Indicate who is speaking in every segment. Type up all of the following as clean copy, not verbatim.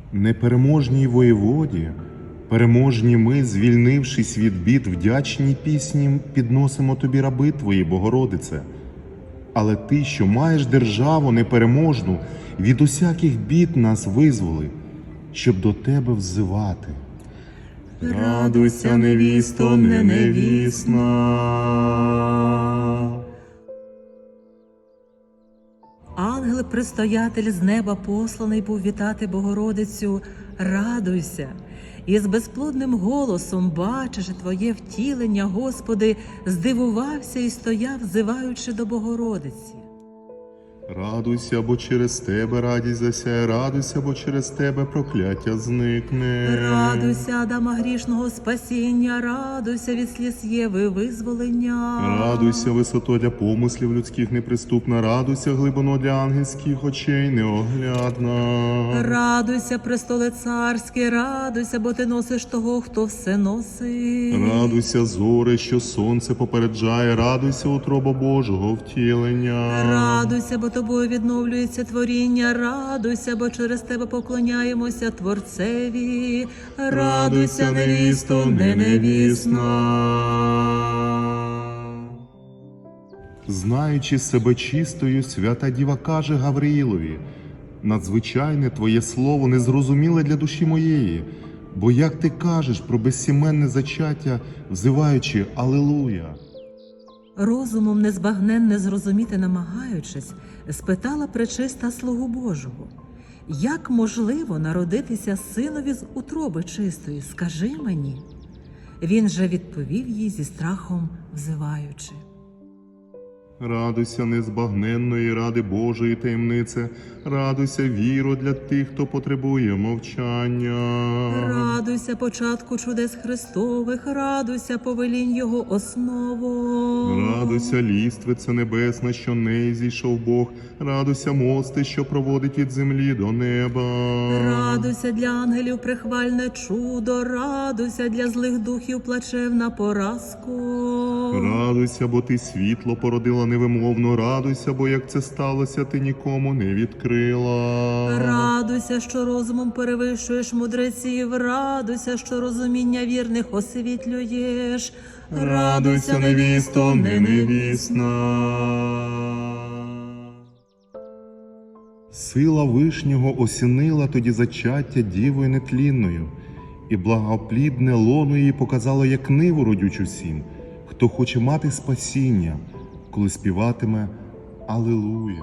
Speaker 1: Непереможній воєводі, переможні ми, звільнившись від бід, вдячні пісні підносимо тобі, раби твої, Богородице. Але ти, що маєш державу непереможну, від усяких бід нас визволи, щоб до тебе взивати.
Speaker 2: Радуйся, невісто, не невісна. Ангел-предстоятель з неба посланий був вітати Богородицю. Радуйся! І з безплодним голосом, бачачи твоє втілення, Господи, здивувався і стояв, взиваючи до Богородиці.
Speaker 1: Радуйся, бо через тебе радість засяє, радуйся, бо через тебе прокляття зникне.
Speaker 2: Радуйся, Адама грішного спасіння, радуйся від сліз Єви визволення.
Speaker 1: Радуйся, висото для помислів людських неприступна, радуйся, глибино для ангельських очей неоглядна.
Speaker 2: Радуйся, престоле царське, радуйся, бо ти носиш того, хто все носить.
Speaker 1: Радуйся, зоре, що сонце попереджає, радуйся, утроба Божого втілення.
Speaker 2: Радуйся, бо тобою відновлюється творіння, радуйся, бо через тебе поклоняємося Творцеві. Радуйся, невісто, не невісна.
Speaker 1: Знаючи себе чистою, свята Діва каже Гавриїлові: надзвичайне твоє слово незрозуміле для душі моєї, бо як ти кажеш про безсіменне зачаття, взиваючи «Алілуя».
Speaker 2: Розумом незбагненне зрозуміти намагаючись, спитала пречиста слугу Божого: як можливо народитися синові з утроби чистої, скажи мені? Він же відповів їй зі страхом взиваючи:
Speaker 1: Радуйся, незбагненної ради Божої таємнице, радуйся, віро, для тих, хто потребує мовчання.
Speaker 2: Радуйся, початку чудес Христових, радуйся, повелінь Його основу.
Speaker 1: Радуйся, ліствице небесна, що неї зійшов Бог, радуйся, мости, що проводить від землі до неба.
Speaker 2: Радуйся, для ангелів прихвальне чудо, радуйся, для злих духів плачевна поразку.
Speaker 1: Радуйся, бо ти світло породила невимовно, радуйся, бо як це сталося, ти нікому не відкрила.
Speaker 2: Радуйся, що розумом перевищуєш мудреців, радуйся, що розуміння вірних освітлюєш.
Speaker 1: Радуйся, невісто, не невісна. Сила Вишнього осінила тоді зачаття Дівою нетлінною, і благоплідне лоно її показало як ниву родючу всім, хто хоче мати спасіння, коли співатиме «Алілуя».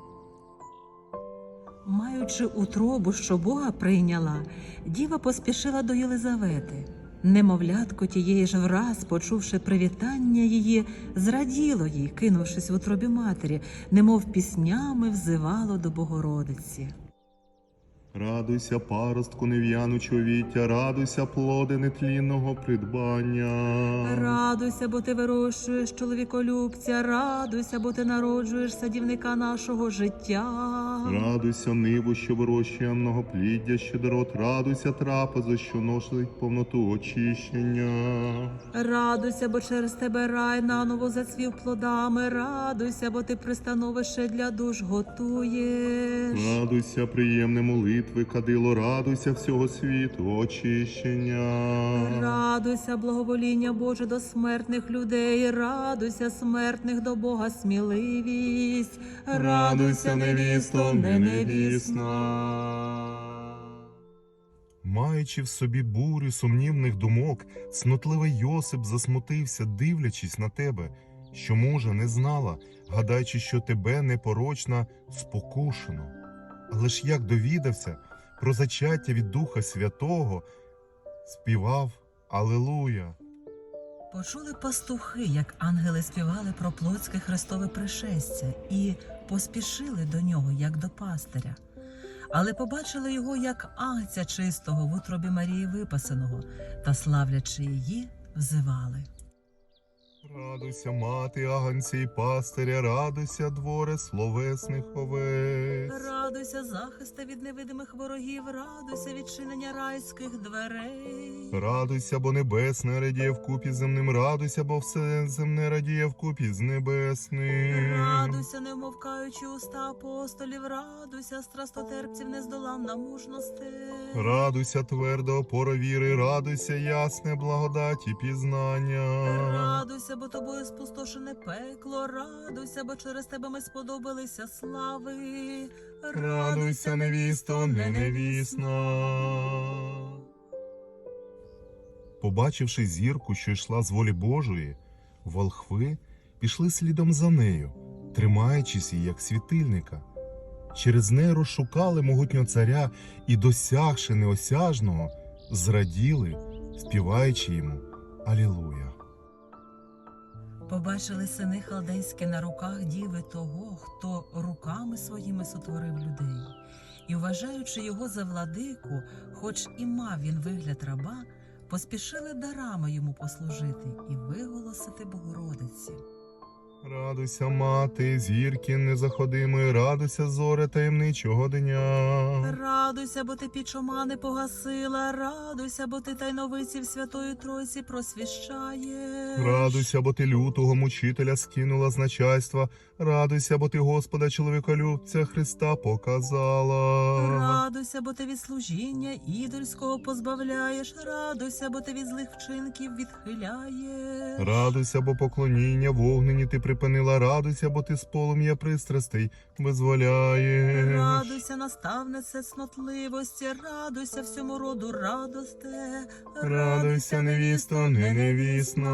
Speaker 2: Маючи утробу, що Бога прийняла, діва поспішила до Єлизавети. Немовлятко тієї ж враз, почувши привітання її, зраділо їй, кинувшись в утробі матері, немов піснями взивало до Богородиці.
Speaker 1: Радуйся, паростку нев'янучого віття, радуйся, плоде нетлінного придбання.
Speaker 2: Радуйся, бо ти вирощуєш чоловіколюбця, радуйся, бо ти народжуєш садівника нашого життя.
Speaker 1: Радуйся, ниву, що вирощує многопліддя, щедрот, радуйся, трапезу, що носить повноту очищення.
Speaker 2: Радуйся, бо через тебе рай наново зацвів плодами, радуйся, бо ти пристановище для душ готуєш.
Speaker 1: Радуйся, приємне молитви, кадило, радуйся всього світу, очищення.
Speaker 2: Радуйся, благовоління Боже до смертних людей, радуйся, смертних до Бога сміливість.
Speaker 1: Радуйся, невісто, не невісна. Маючи в собі бурю сумнівних думок, цнотливий Йосип засмутився, дивлячись на тебе, що мужа не знала, гадаючи, що тебе непорочна спокушено. Але ж як довідався про зачаття від Духа Святого, співав «Алілуя».
Speaker 2: Почули пастухи, як ангели співали про плотське Христове пришестя, і поспішили до нього, як до пастиря. Але побачили його, як агця чистого в утробі Марії Випасеного, та, славлячи її, взивали:
Speaker 1: Радуйся, мати агнця і пастиря, радуйся, дворе словесних овець.
Speaker 2: Радуйся, захисте від невидимих ворогів, радуйся, відчинення райських дверей.
Speaker 1: Радуйся, бо небесне радіє вкупі з земним, радуйся, бо все земне радіє вкупі з небесним.
Speaker 2: Радуйся, не вмовкаючи уста апостолів, радуйся, страстотерпців нездоланна мужності.
Speaker 1: Радуйся, тверда опора віри, радуйся, ясне благодаті пізнання.
Speaker 2: Радуйся, бо тобою спустошене пекло, радуйся, бо через тебе ми сподобалися слави.
Speaker 1: Радуйся, невісто, не невісна. Побачивши зірку, що йшла з волі Божої, волхви пішли слідом за нею, тримаючись її, як світильника. Через неї розшукали могутнього царя і, досягши неосяжного, зраділи, співаючи йому «Алілуя».
Speaker 2: Побачили сини халдейські на руках діви того, хто руками своїми сотворив людей. І, вважаючи його за владику, хоч і мав він вигляд раба, поспішили дарами йому послужити і виголосити Богородиці.
Speaker 1: Радуйся, мати, зірки незаходимої, радуйся, зоре таємничого дня.
Speaker 2: Радуйся, бо ти піч омани погасила, радуйся, бо ти тайновиців Святої Тройці просвіщаєш.
Speaker 1: Радуйся, бо ти лютого мучителя скинула з начальства, радуйся, бо ти Господа чоловіколюбця Христа показала.
Speaker 2: Радуйся, бо ти від служіння ідольського позбавляєш, радуйся, бо ти від злих вчинків відхиляєш.
Speaker 1: Радуйся, бо поклоніння вогнені ти припинила, радуйся, бо ти з полум'я пристрастей визволяєш.
Speaker 2: Радуйся, наставнице цнотливості, радуйся всьому роду радосте.
Speaker 1: Радуйся, невісто, не невісна.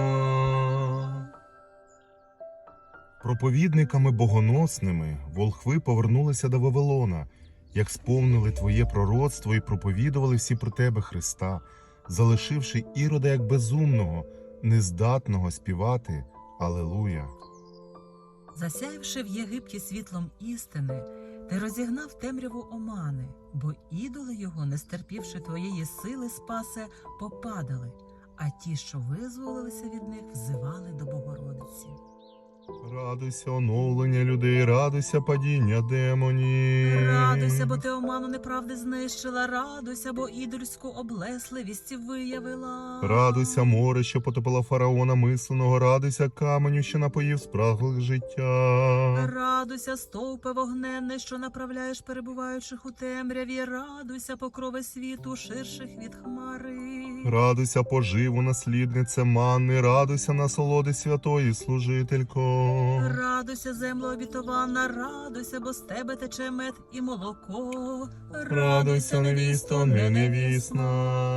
Speaker 1: Проповідниками богоносними волхви повернулися до Вавилона, як сповнили твоє пророцтво і проповідували всі про тебе, Христа, залишивши Ірода як безумного, нездатного співати «Алелуя».
Speaker 2: Засяявши в Єгипті світлом істини, ти розігнав темряву омани, бо ідоли його, не стерпівши твоєї сили спасе, попадали, а ті, що визволилися від них, взивали до Богородиці.
Speaker 1: Радуйся, оновлення людей, радуйся, падіння демонів.
Speaker 2: Радуйся, бо ти оману неправди знищила, радуйся, бо ідольську облесливість виявила.
Speaker 1: Радуйся, море, що потопило фараона мисленого, радуйся, каменю, що напоїв спраглих життя.
Speaker 2: Радуйся, стовпе вогненне, що направляєш перебуваючих у темряві, радуйся, покрови світу, ширших від хмари.
Speaker 1: Радуйся, поживу, насліднице манни, радуйся, насолоди святої служителько.
Speaker 2: Радуйся, земло обітована, радуйся, бо з тебе тече мед і молоко.
Speaker 1: Радуйся, невісто, не невісна.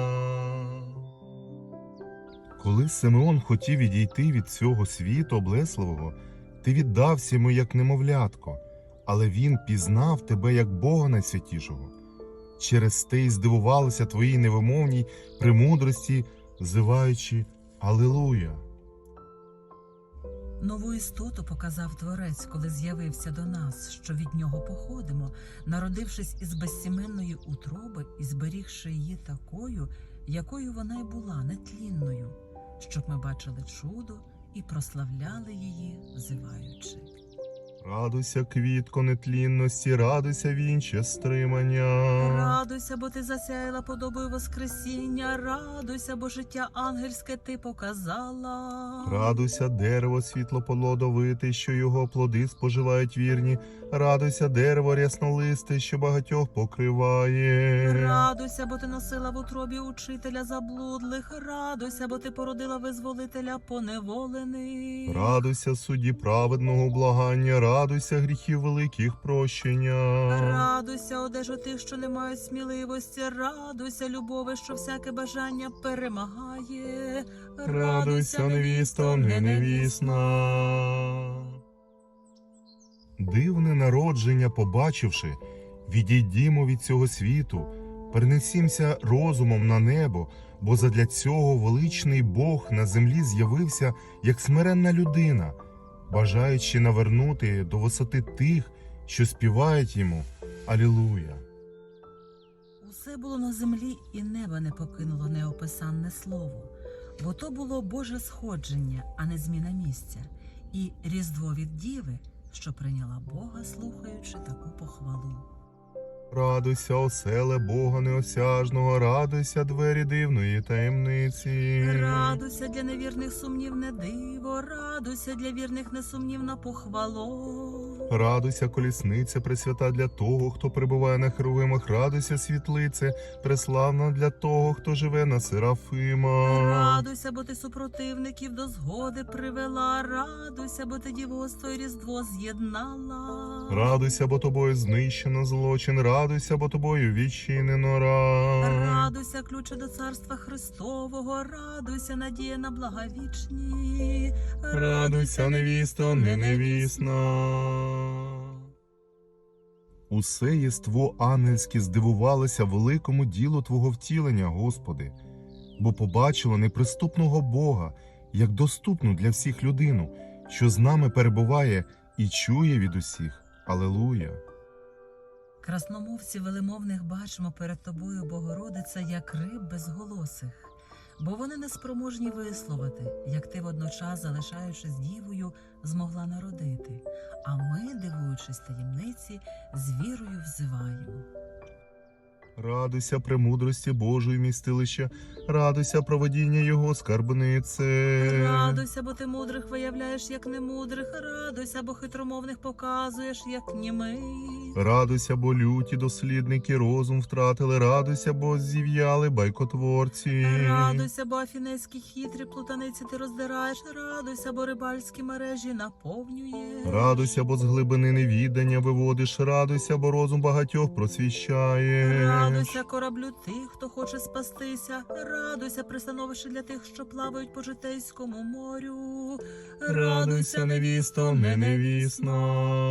Speaker 1: Коли Симеон хотів відійти від цього світу облесливого, ти віддався йому як немовлятко, але він пізнав тебе як Бога найсвятішого. Через те й здивувалися твоїй невимовній премудрості, взиваючи «Алілуя».
Speaker 2: Нову істоту показав Творець, коли з'явився до нас, що від нього походимо, народившись із безсіменної утроби і зберігши її такою, якою вона й була, нетлінною, щоб ми бачили чудо і прославляли її, взиваючи.
Speaker 1: Радуйся, квітко нетлінності, радуйся, вінче стримання.
Speaker 2: Радуйся, бо ти засяяла подобою воскресіння, радуйся, бо життя ангельське ти показала.
Speaker 1: Радуйся, дерево світлоплодовите, що його плоди споживають вірні. Радуйся, дерево ряснолисте, що багатьох покриває.
Speaker 2: Радуйся, бо ти носила в утробі учителя заблудлих, радуйся, бо ти породила визволителя поневолених.
Speaker 1: Радуйся, судді праведного благання, радуйся, гріхів великих прощення.
Speaker 2: Радуйся, одежу тих, що не мають сміливості, радуйся, любові, що всяке бажання перемагає.
Speaker 1: Радуйся, невісто, не невісна. Дивне народження побачивши, відійдімо від цього світу, перенесімся розумом на небо, бо задля цього величний Бог на землі з'явився як смиренна людина, бажаючи навернути до висоти тих, що співають йому «Алілуя».
Speaker 2: Усе було на землі, і неба не покинуло неописанне слово, бо то було Боже сходження, а не зміна місця, і Різдво від Діви, що прийняла Бога, слухаючи таку похвалу.
Speaker 1: Радуйся, оселе Бога неосяжного, радуйся, двері дивної таємниці.
Speaker 2: Радуйся для невірних сумнівне диво, радуйся для вірних несумнівна похвало.
Speaker 1: Радуйся, колісниця пресвята для того, хто перебуває на херовимах, радуйся, світлице, преславна для того, хто живе на Серафима.
Speaker 2: Радуйся, бо ти супротивників до згоди привела, радуйся, бо ти дівоцтво і Різдво з'єднала.
Speaker 1: Радуйся, бо тобою знищено злочин, радуйся, бо тобою відчинено рай.
Speaker 2: Радуйся, ключе до Царства Христового, радуйся, надія на блага вічні.
Speaker 1: Радуйся, невісто, не невісна. Усе єство ангельське здивувалося великому ділу Твого втілення, Господи, бо побачило неприступного Бога, як доступну для всіх людину, що з нами перебуває і чує від усіх. Алілуя!
Speaker 2: Красномовців велемовних бачимо перед тобою, Богородице, як риб безголосих, бо вони не спроможні висловити, як ти водночас, залишаючись дівою, змогла народити, а ми, дивуючись таємниці, з вірою взиваємо.
Speaker 1: Радуйся премудрості Божої містилища, радуйся проводіння Його скарбнице.
Speaker 2: Радуйся, бо ти мудрих виявляєш, як немудрих, радуйся, бо хитромовних показуєш, як німий.
Speaker 1: Радуйся, бо люті дослідники розум втратили, радуйся, бо зів'яли байкотворці.
Speaker 2: Радуйся, бо афінецькі хитрі плутаниці ти роздираєш, радуйся, бо рибальські мережі наповнюєш.
Speaker 1: Радуйся, бо з глибини невідання виводиш, радуйся, бо розум багатьох просвіщаєш.
Speaker 2: Радуйся кораблю тих, хто хоче спастися, радуйся пристановище для тих, що плавають по житейському морю.
Speaker 1: Радуйся, невісто, не невісна.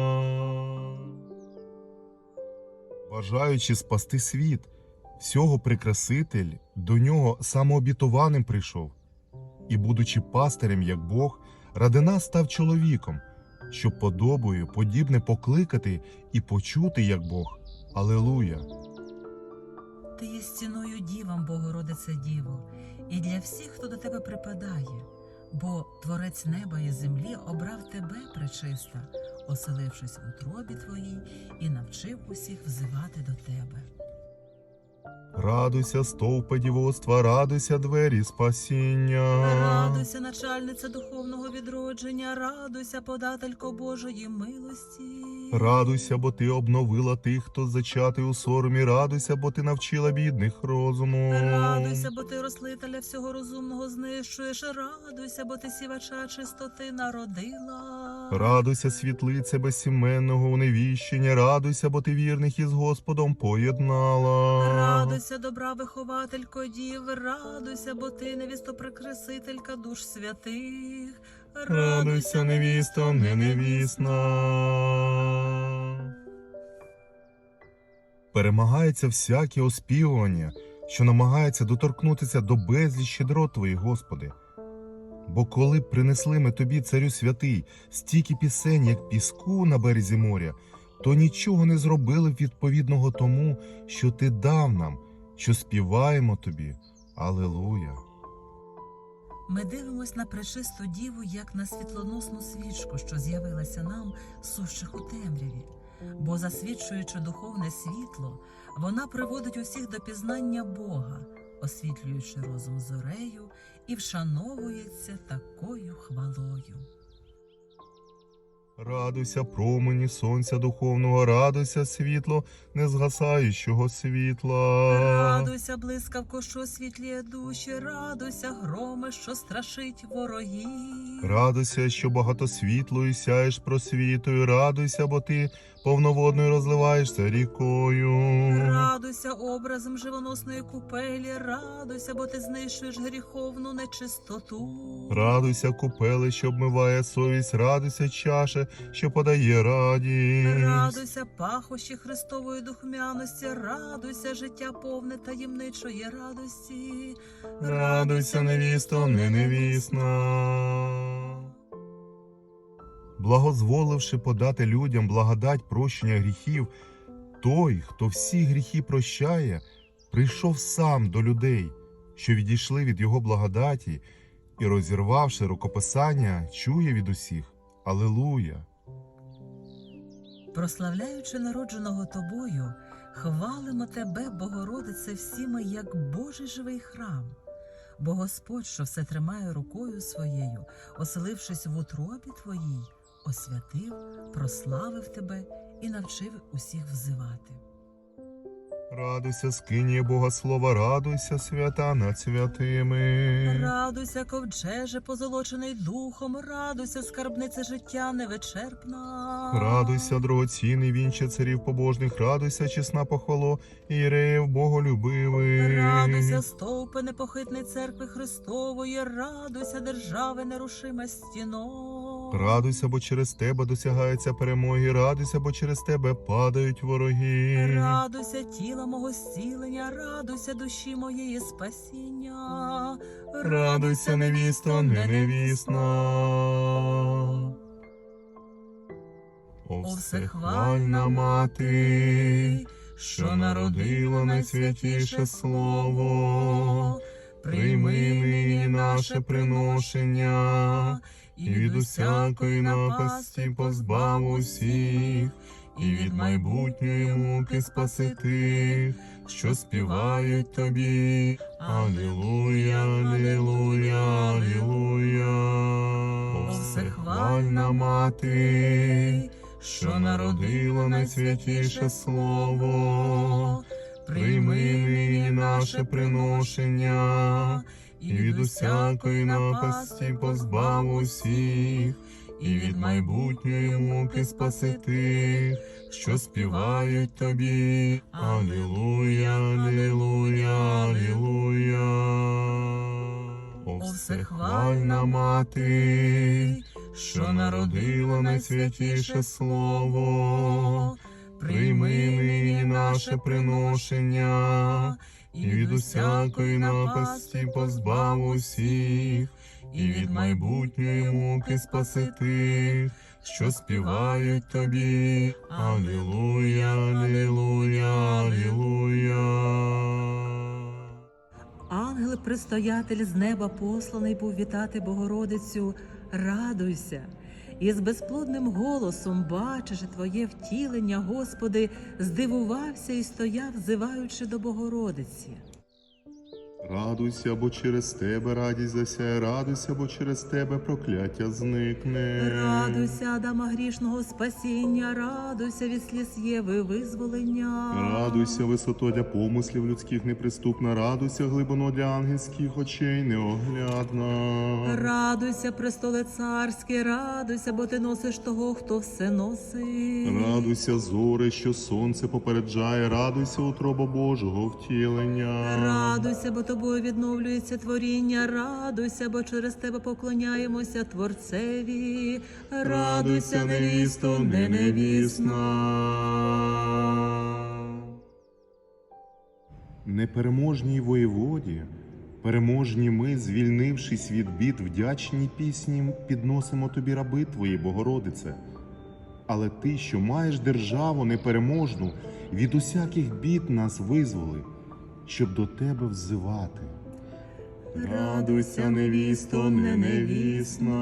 Speaker 1: Бажаючи спасти світ, всього Прикраситель до нього самообітованим прийшов. І, будучи пастирем, як Бог, ради нас став чоловіком, щоб подобою подібне покликати і почути, як Бог. Алілуя!
Speaker 2: Ти є стіною дівам, Богородице Діво, і для всіх, хто до тебе припадає, бо Творець неба і землі обрав тебе, пречиста, оселившись в утробі твоїй, і навчив усіх взивати до тебе.
Speaker 1: Радуйся, стовпе дівоцтва, радуйся, двері спасіння.
Speaker 2: Радуйся, начальниця духовного відродження, радуйся, подателько Божої милості.
Speaker 1: Радуйся, бо ти обновила тих, хто зачатий у соромі, радуйся, бо ти навчила бідних розуму.
Speaker 2: Радуйся, бо ти рослителя всього розумного знищуєш, радуйся, бо ти сівача чистоти народила.
Speaker 1: Радуйся, світлице безсіменного уневіщення, радуйся, бо ти вірних із Господом поєднала.
Speaker 2: Радуйся, добра вихователько дів, радуйся, бо ти невістоприкрасителька душ святих.
Speaker 1: Радуйся, невісто, не невісна. Перемагається всяке оспівування, що намагається доторкнутися до безліч щедрот Твоїх, Господи. Бо коли б принесли ми Тобі, Царю святий, стільки пісень, як піску на березі моря, то нічого не зробили б відповідного тому, що Ти дав нам, що співаємо Тобі. Алілуя!
Speaker 2: Ми дивимось на пречисту діву, як на світлоносну свічку, що з'явилася нам, сущих у темряві. Бо, засвідчуючи духовне світло, вона приводить усіх до пізнання Бога, освітлюючи розум зорею, і вшановується такою хвалою.
Speaker 1: Радуйся, промені сонця духовного, радуйся, світло незгасаючого світла.
Speaker 2: Радуйся, блискавко, що освітлює душі, радуйся, громе, що страшить ворогів.
Speaker 1: Радуйся, що багато світлою сяєш просвітою, радуйся, бо ти повноводною розливаєшся рікою.
Speaker 2: Радуйся образом живоносної купелі, радуйся, бо ти знищуєш гріховну нечистоту.
Speaker 1: Радуйся, купеле, що обмиває совість, радуйся, чаше, що подає радість.
Speaker 2: Радуйся, пахощі Христової духмяності, радуйся, життя повне таємничої радості.
Speaker 1: Радуйся, невісто, не невісна. Благозволивши подати людям благодать прощення гріхів, той, хто всі гріхи прощає, прийшов сам до людей, що відійшли від його благодаті, і, розірвавши рукописання, чує від усіх Алілуя!
Speaker 2: Прославляючи народженого тобою, хвалимо тебе, Богородице, всі ми, як Божий живий храм. Бо Господь, що все тримає рукою своєю, оселившись в утробі твоїй, освятив, прославив тебе і навчив усіх взивати.
Speaker 1: Радуйся, скиніє Бога слова, радуйся, свята над святими.
Speaker 2: Радуйся, ковчеже, позолочений духом, радуйся, скарбниця життя невичерпна.
Speaker 1: Радуйся, дорогоцінний вінче царів побожних, радуйся, чесна похвало, ієреїв боголюбивих.
Speaker 2: Радуйся, стовпи непохитної церкви Христової, радуйся, держави нерушима стіно.
Speaker 1: Радуйся, бо через тебе досягаються перемоги, радуйся, бо через тебе падають вороги.
Speaker 2: Радуйся, тіла мого зцілення, радуйся, душі моєї спасіння.
Speaker 1: Радуйся, невісто, не невісна. О, всехвальна мати, що народила найсвятіше слово, прийми нині наше приношення, і від усякої напасті позбав усіх, і від майбутньої муки спаси тих, що співають тобі. Алілуя, алілуя, алілуя. О, всехвальна мати, що народила найсвятіше слово, прийми нині наше приношення, і від усякої напасті позбав усіх, і від майбутньої муки спаси тих, що співають тобі. Алілуя, алілуя, алілуя. О, всехвальна мати, що народила найсвятіше слово, прийми нині наше приношення, і від усякої напасті позбав усіх, і від майбутньої муки спаси тих, що співають тобі. Алілуя, алілуя, алілуя.
Speaker 2: Ангел-предстоятель з неба посланий був вітати Богородицю, радуйся. І з безплодним голосом, бачачи твоє втілення, Господи, здивувався і стояв, взиваючи до Богородиці.
Speaker 1: Радуйся, бо через тебе радість засяє, радуйся, бо через тебе прокляття зникне.
Speaker 2: Радуйся, Адама грішного спасіння, радуйся від сліз Єви визволення.
Speaker 1: Радуйся, висото для помислів людських неприступна, радуйся, глибино для ангельських очей неоглядна.
Speaker 2: Радуйся, престоле царське, радуйся, бо ти носиш того, хто все носить.
Speaker 1: Радуйся, зоре, що сонце попереджає, радуйся, утроба Божого втілення.
Speaker 2: Радуйся, бо тобою відновлюється творіння, радуйся, бо через тебе поклоняємося Творцеві. Радуйся, невісто, не невісна.
Speaker 1: Непереможній воєводі, переможні ми, звільнившись від бід, вдячні пісні підносимо тобі, раби твої, Богородице. Але ти, що маєш державу непереможну, від усяких бід нас визволи, щоб до тебе взивати. Радуйся, невісто, не невісна.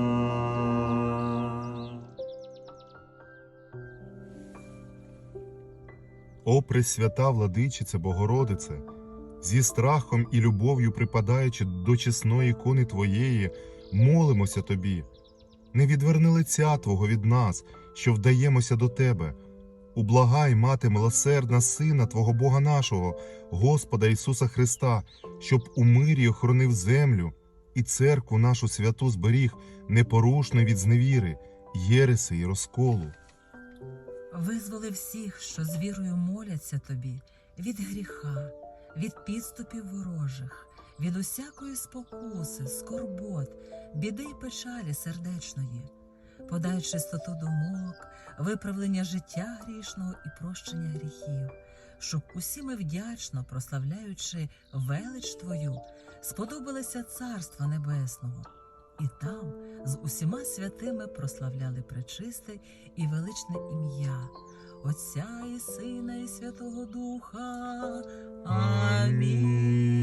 Speaker 1: О, пресвята владичице Богородице, зі страхом і любов'ю припадаючи до чесної ікони Твоєї, молимося Тобі. Не відверни лиця Твого від нас, що вдаємося до Тебе. Ублагай, Мати милосердна, Сина Твого Бога нашого, Господа Ісуса Христа, щоб у мирі охоронив землю і церкву нашу святу зберіг непорушно від зневіри, єреси і розколу.
Speaker 2: Визволи всіх, що з вірою моляться тобі, від гріха, від підступів ворожих, від усякої спокуси, скорбот, біди й печалі сердечної. Подай чистоту думок, виправлення життя грішного і прощення гріхів, щоб усі ми вдячно, прославляючи велич Твою, сподобалися Царства Небесного, і там з усіма святими прославляли пречисте і величне ім'я Отця і Сина і Святого Духа. Амінь.